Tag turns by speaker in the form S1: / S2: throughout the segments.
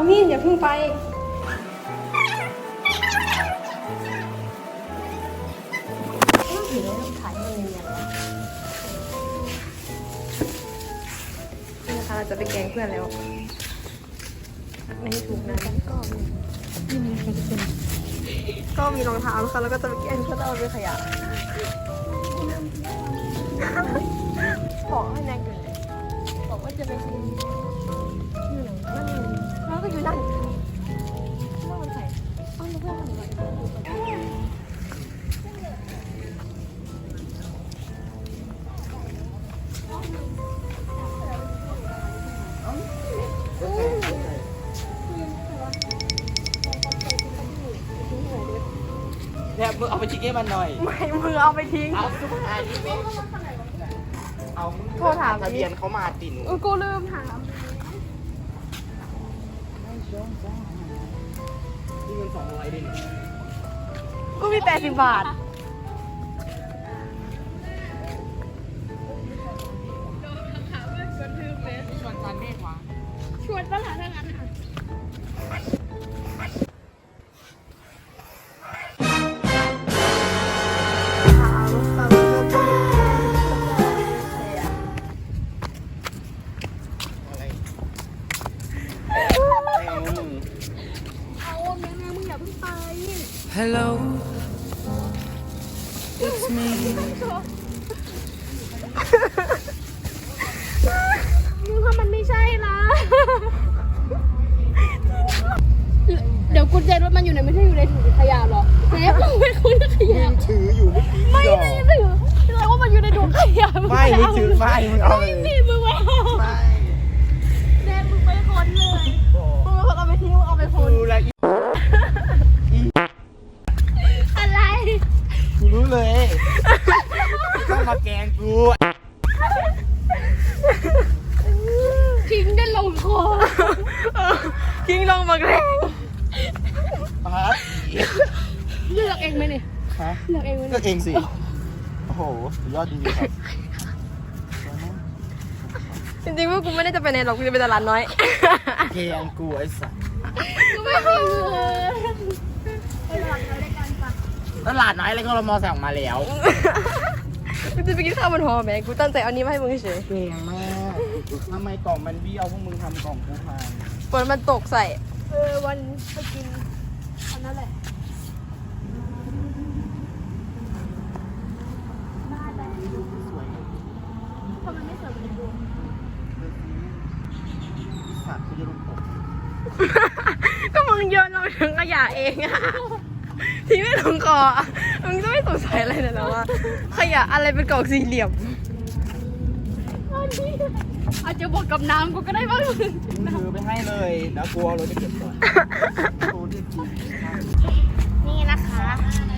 S1: มินอย่าเพิ่งไปถือแล้วถ่ายมันเนียนๆนี่นะคะเราจะไปแกล้งเพื่อนแล้วไม่ให้ถูกนะก็มีรองเท้านะคะแล้วก็จะไปแกล้งเพื่อนเอาไปขยะบอกให้แน็กอยู่เลยบอกว่าจะไปกินอยู่ไหนนั่นแล้วก็อยู่นั่นว่ามันใส่อ้าวแล้วเพื่อนทำอะไร
S2: เนี่ยมึงเอาไปชิคให้มันหน่อย
S1: ไม่มือเอาไปทิ้ง
S2: เอาสุดท้ายนี่ไม่เอา
S1: โทรถาม
S2: ทะเบียนเขามาติดหนู
S1: กูลืมถาม
S2: นี่เงิน200ดิ
S1: กูมี80 บาท
S2: ชวนจันเมฆวะ
S1: ชวนตลาดทั้งนั้นค่ะ
S3: Hello, it's me.
S1: มึงว่ามันไม่ใช่นะ เดี๋ยวกุญแจรถมันอยู่ไหนไม่ใช่อยู่ในถุงขยะหรอแม่มึงเป็นคนขยะ
S2: ถืออยู่เมื่อกี้
S1: ไม่ได้ถือแสดงว่ามันอยู่ในถุงขยะ
S2: ไม่มึงถือไม่มึงเอาเลย
S1: นี่มึงไม่เอา
S2: ไม่
S1: แม่มึงไปคนเลยมึงเป็นคนเอาไปทิ้งมึงเอาไปคน
S2: กูแล้ว
S1: อะไร
S2: กูรู้เลยต้องมาแกงกู
S1: ทิ้งได้ลงคอทิ้งลงมาแรง
S2: ปาร์ต
S1: เลือกเองไหมเนี่ย
S2: ฮะ
S1: เลือกเองไหม
S2: เลือกเองสิโอ้โหสุดยอดจริงๆครับ
S1: จริงๆว่ากูไม่ได้จะไปไหนหรอกกูจะไปตลาดน้อย
S2: แกงกูไอ้สัส
S1: กูไม่มีเงิน
S2: ตลาดน้อยอะไรก็เรามอสั่งมาแล้ว
S1: กูจะไปกินข้าวบนหอแม่กูตั้งใจเอานี้มาให้มึงเฉย
S2: เก่งมากทำไมกล่องมันเบี้ยวพวกมึงทำกล่องกูพัง
S1: ฝนมันตกใส่วันไปกินอันนั้นแหละ
S2: สวย
S1: ทำไมไม่สวยเหมือนกู
S2: สัตว์กูจะลงตก
S1: ก็มึงโยนลงถึงขยะเองอะที่ไม่ลงคออะมึงจะไม่สงสัยอะไรเลยเหรอว่าขยะอะไรเป็นกล่องสี่เหลี่ยมอาจจะบอกกับน้ำกูก็ได้บ้าง
S2: มึงถือไปให้เลยแล้วกลัวเราจะเก็บก่อนโอ้ดีจริง
S1: นี่นะคะ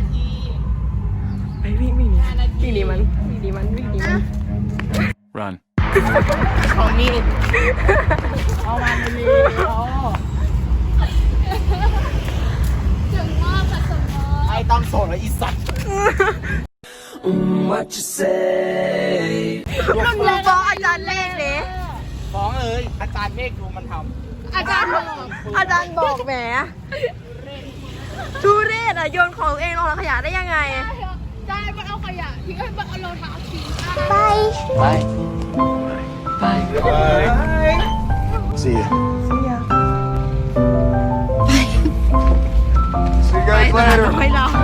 S1: ไปวิ่งหนีวิ่งหนีมันวิ่งหนีมันวิ่งหนีมัน
S3: Run.
S2: ของนี่เอามาเลย
S1: ถึงมากค่ะสมมติ
S2: ไอ้ต้องโสดแล้วอีสัตว์
S3: What you say?
S1: มึงบอกอาจารย์เลขเลย
S2: ฟ้องเลยอาจารย์เมฆดูมันท
S1: อาจารย์บอกแหมทุเรศอะโยนของตัวเองลงถังขยะได้ยังไง
S4: ได้มันเอาขยะทิ้งให้มันเอารองเท้าทิ้ง
S3: Bye. Bye.
S2: ำSee ya. See you guys
S1: ไม่เรา